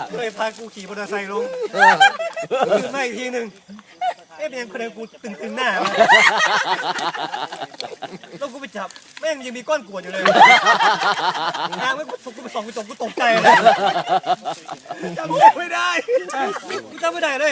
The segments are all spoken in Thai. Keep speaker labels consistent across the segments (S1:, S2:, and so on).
S1: เคยพากูขี่มอเตอร์ไซค์ลงขึ้นมาอีกทีหนึ่งเป็นยังคนเดียวกูตึงหน้าแล้วกูไปจับแม่งยังมีก้อนกรวดอยู่เลยทางไม่กูไปส่องกูตกใจเลยจำไม่ได้กูจำไม่ได้เลย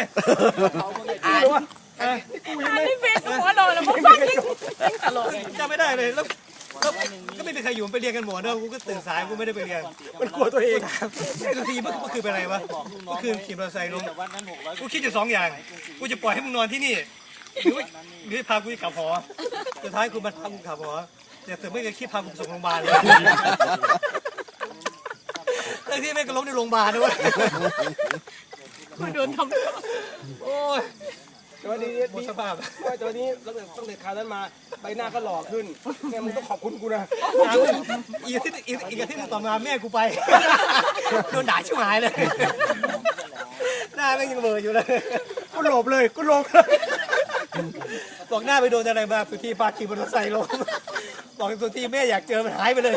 S2: ไม่เป็นหัวโดนแล้วมึงฟังยิ่งตลก
S1: จำไม่ได้เลยแล้วก็ไม่มีใครอยู่ไปเรียนกันหมดเนอะกูก็ตื่นสายกูไม่ได้ไปเรียนมันกลัวตัวเองไอ้ตัวทีเมื่อคืนเป็นอะไรวะเมื่อคืนขี่มอเตอร์ไซค์ลงกูคิดอยู่2 อย่างกูจะปล่อยให้มึงนอนที่นี่หรือพากูกลับหอสุดท้ายกูมาพากูกลับหอแต่เสือไม่เคยคิดพากูส่งโรงพยาบาลเลยทั้งที่แม่ก็ล้มในโรงพยาบาลด้วย
S2: โดนทำ
S1: โอ้ย
S3: ตัวนี้ดีสภาพตัวนี้ตั้งแต่คราวนั้นมาใบหน้าก็หล่อขึ้นแม่มึงต้องขอบคุณกูนะ
S1: อีกอาทิตย์ต่อมาแม่กูไปโดนด่าชิบหายเลยหน้าแม่งยังเบลออยู่เลยกูหลบเลยบอกหน้าไปโดนอะไรมาสุธีพาขี่มอเตอร์ไซค์ลงบอกสุธีแม่อยากเจอมันหายไปเลย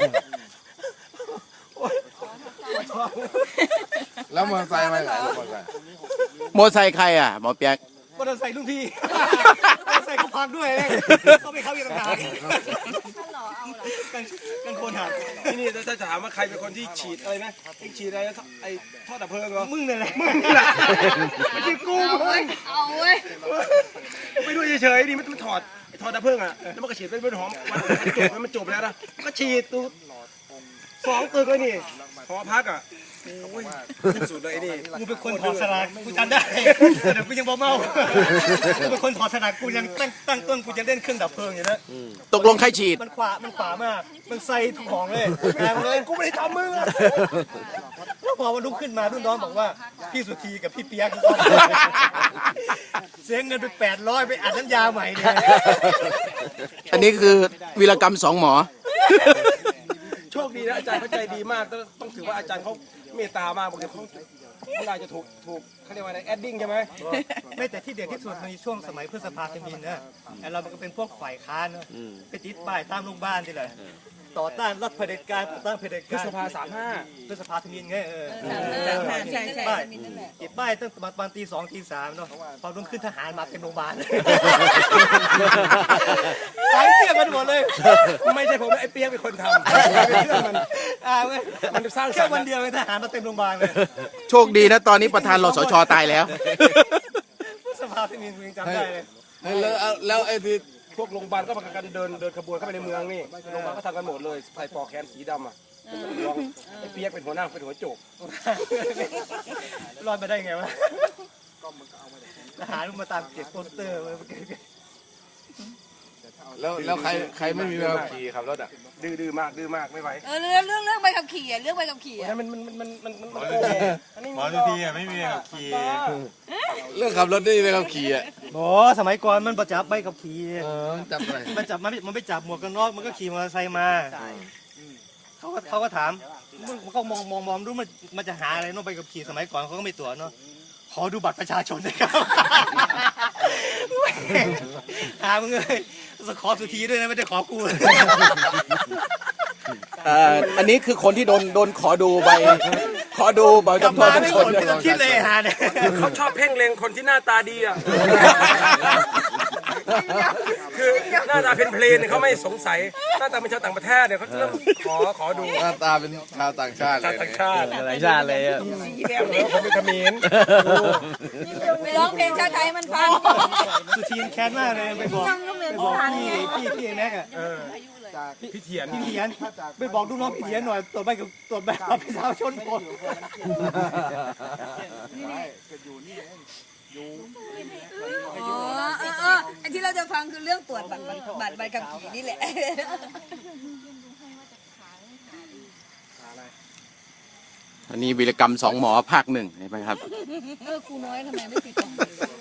S4: แล้วมอเตอร์ไซค์มาไหน
S5: มอเตอร์ไซค์ใครอ่ะหมอเปียก
S1: มอเตอร์ไซค์ลุงพี่มอเตอร์ไซค์เขาพังด้วยเขาไม่เข้าอีกต่างหากกันโคนหัก
S3: นี่ถ้าถามว่าใครเป็นคนที่ฉีดอะไรนะฉีดอะไรไอ้ท่อดับเพลิงเหรอ
S1: มึงนี่แหละ
S3: ไม่ใช่กูมึง
S2: เอาเว้ย
S3: ไปดูเฉยๆดิมันถอดไอ้ท่อดับเพลิงอ่ะแล้วมันก็ฉีดเป็นหอมมันจบแล้วนะก็ฉีดตัว2 ตึกเลยนี่หอพักอ่ะโอ้ยสุดเลยนี่
S1: กูเป็นคนถอดสลากกูจำได้แต่กูยังบ่เมากูเป็นคนถอดสลากกูยังตั้งต้นกูจะเล่นเครื่องดับเพลิงอยู่นะ
S5: ตกลงใครฉีด
S1: มันขวามากมันใส่ทุกของเลยแรงเลยกูไม่ได้ทำมึงแล้วพอมันลุกขึ้นมารุ่นน้องบอกว่าพี่สุธีกับพี่เปียกเสียเงินไป800ไปอัดน้ำยาใหม่เลย
S5: อันนี้คือวีรกรรม2 หมอ
S3: โชคดีนะอาจารย์เขาใจดีมากต้องถือว่าอาจารย์เขาเมตตามากบางทีเขาน่าจะถูกเขาเรียกว่าอะไรแอดดิ้งใช่ไหม
S1: ไม่แต่ที่เด็ดที่สุดในช่วงสมัยพฤษภาธมิญนะเรามันก็เป็นพวกฝ่ายค้านนะไปติดป้ายตามโรงพยาบาลที่เลยต่อต้านรัฐเผด็จการต่อต้านเผด็จการ
S3: พฤษภา35
S1: พฤษภาธมิญไง
S2: ใช่
S1: ติดป้ายตั้งประมาณตี2ตี3เนาะพอรุ่งขึ้นทหารมาเป็นโรงพยาบาลตายเปี้ยกันหมดเลย
S3: ไม่ใช่ผมไอ้เปียกเป็นคนทำเป็นเรื่องมันสร้าง
S1: แค่วันเดียวทหารมาเต็มโรงพยาบาลเลย
S5: โชคดีนะตอนนี้ประธานรสช.ตายแล้ว
S1: สภาที่มีจำได้เลย
S4: แล้วไอ้ที่
S3: พวกโรงพยาบาลก็มากันเดินขบวนเข้าไปในเมืองนี่โรงพยาบาลก็ทำกันหมดเลยใส่ปลอกแขนสีดำอ่ะไอ้เปียกเป็นหัวหน้าเป็นหัวโจก
S1: รอดมาได้ไงวะทหารมาตามเก็บโปสเตอร์
S4: แล้วใครไม่มีใบขับขี่ขับรถอ่ะ
S3: ดื้อมากไม่ไหว
S2: เรื่องใบขับขี่เรื่องใบขับขี่
S3: มัน
S4: หมอทุกทีอ่ะไม่มีใบขับขี่เรื่องขับรถได้ใบขับขี่อ่ะ
S1: โอ้สมัยก่อนมันประจับใบขับขี่
S4: จับอะไร
S1: มันไปจับหมวกกันน็อกมันก็ขี่มอเตอร์ไซค์มาเขาก็ถามเขามองดูมันจะหาอะไรน้องไปกับขี่สมัยก่อนเขาก็ไม่ตรวจเนาะขอดูบัตรประชาชนหน่อยครับหามึงเลยขอสุธีด้วยนะไม่ได้ขอกู
S5: อันนี้คือคนที่โดนขอดูใบจำตัวทุกคน
S1: คิดเลยฮะเนี่ย
S3: เขาชอบเพ่งเล็งคนที่หน้าตาดีอ่ะคือหน้าตาเพลนเขาไม่สงสัยหน้าตาเป็นชาวต่างประเทศเนี่ยเขาเริ่มขอดู
S4: หน้าตาเป็นชาวต่างชาติเลย
S5: อ่ะ
S3: คนเป็นเขมร
S2: ไปร้องเพลงชาติไทยมันฟัง
S1: สุธีแค้นมากเลยไปบอกพี่แม็กอะ
S3: พี่เถียน
S1: ไปบอกลูกน้องพี่เถียนหน่อยตรวจแบบประชาชนหมด
S2: ไอ้ที่เราจะฟังคือเรื่องตรวจบัตรใบขับขี่นี่แหละ
S5: อันนี้วีรกรรม2 หมอภาค 1เห็นไหมครับ
S2: ครูน้อยทำไมไม่ติด